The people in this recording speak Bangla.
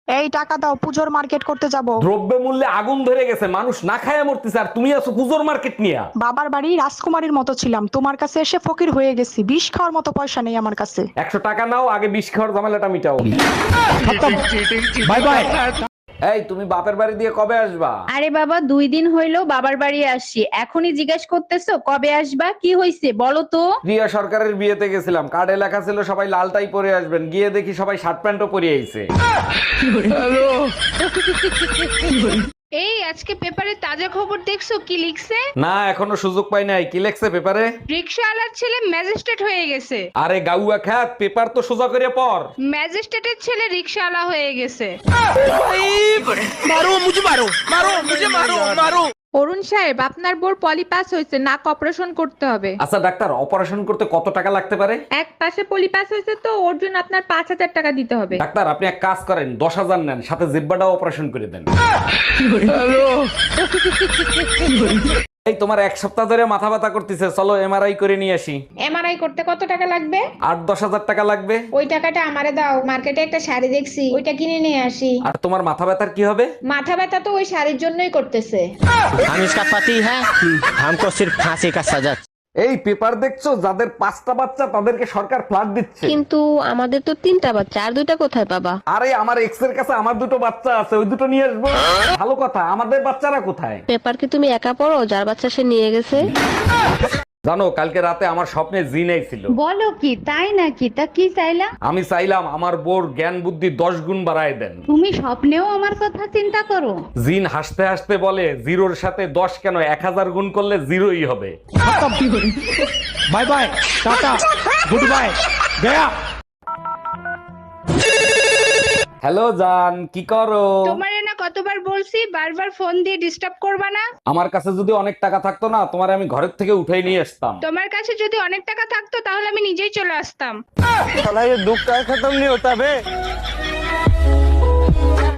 এই টাকা দাও, পুজোর মার্কেট করতে যাব। দ্রব্য মূল্যে আগুন ধরে গেছে, মানুষ না খায় মরতেছে, আর তুমি আছো পুজোর মার্কেট নিয়া। বাবার বাড়ি রাজকুমারীর মতো ছিলাম, তোমার কাছে এসে ফকির হয়ে গেছি। বিষ খাওয়ার মতো পয়সা নেই আমার কাছে। 100 টাকা নাও, আগে বিষ খাওয়ার ঝামেলাটা মিটাও। Bye bye. এই তুমি বাপের বাড়ি দিয়ে কবে আসবা? আরে বাবা 2 দিন হইলো বাবার বাড়ি আসছি, এখনই জিজ্ঞেস করতেছো কবে আসবা? কি হইছে বলো তো। প্রিয়া সরকারের বিয়েতে গেছিলাম, কার্ডে লেখা ছিল সবাই লালটাই পরে আসবেন, গিয়ে দেখি সবাই শার্ট প্যান্টও পরে আইছে। এই আজকে পেপারে তাজা খবর দেখছো কি লিখছে? না, এখনো সুযোগ পাই নাই। কি লেখছে পেপারে? রিকশাওয়ালার ছেলে ম্যাজিস্ট্রেট হয়ে গেছে। আরে গাউয়া খ্যাত, পেপার তো সোজা করে পড়। ম্যাজিস্ট্রেটের ছেলে রিকশাওয়ালা হয়ে গেছে। অরুণ সাহেব, আপনার বোর পলিপাস হয়েছে, নাক অপারেশন করতে হবে। আচ্ছা ডাক্তার, অপারেশন করতে কত টাকা লাগতে পারে? এক পাশে পলিপাস হয়েছে তো ওর জন্য আপনার 5,000 টাকা দিতে হবে। ডাক্তার আপনি এক কাজ করেন, 10,000 নেন, সাথে জিব্বাটাও অপারেশন করে দেন। এই তোমার 1 সপ্তাহ ধরে মাথা ব্যথা করতেছে, চলো এমআরআই করে নিয়ে আসি। এমআরআই করতে কত টাকা লাগবে? 8-10 হাজার টাকা লাগবে। ওই টাকাটা আমারে দাও, মার্কেটে একটা শাড়ি দেখছি, ওইটা কিনে নিয়ে আসি। আর তোমার মাথা ব্যথার কি হবে? মাথা ব্যথা তো ওই শাড়ির জন্যই করতেছে। हम इसका पति है, हमको सिर्फ फांसी का सजा। এই পেপার দেখছো, যাদের 5টা বাচ্চা তাদেরকে সরকার ফ্ল্যাট দিচ্ছে। কিন্তু আমাদের তো 3টা বাচ্চা, আর 2টা কোথায় পাবা? আরে আমার এক্স এর কাছে আমার 2টো বাচ্চা আছে, ওই 2টো নিয়ে আসবো। ভালো কথা, আমাদের বাচ্চারা কোথায়? পেপার কি তুমি একা পড়ো? যার বাচ্চা সে নিয়ে গেছে। জানো, কালকে রাতে আমার স্বপ্নে জিন আইছিল। বলো কি, তাই নাকি? তা কি চাইলা? আমি চাইলাম আমার বোর জ্ঞান বুদ্ধি 10 গুণ বাড়ায় দেন। তুমি স্বপ্নেও আমার কথা চিন্তা করো? জিন হাসতে হাসতে বলে, 0-র সাথে 10 কেন, 1000 গুণ করলে 0ই হবে। Bye bye, tata, good bye, गया। হ্যালো জান, কি করো? তোমারে না কতবার বলছি বারবার ফোন দিয়ে ডিস্টার্ব করবা না। আমার কাছে যদি অনেক টাকা থাকতো না, তোমার আমি ঘরের থেকে উঠাই নিয়ে আসতাম। তোমার কাছে যদি অনেক টাকা থাকতো তাহলে আমি নিজেই চলে আসতাম। साला ये दुख का खत्म नहीं होता बे।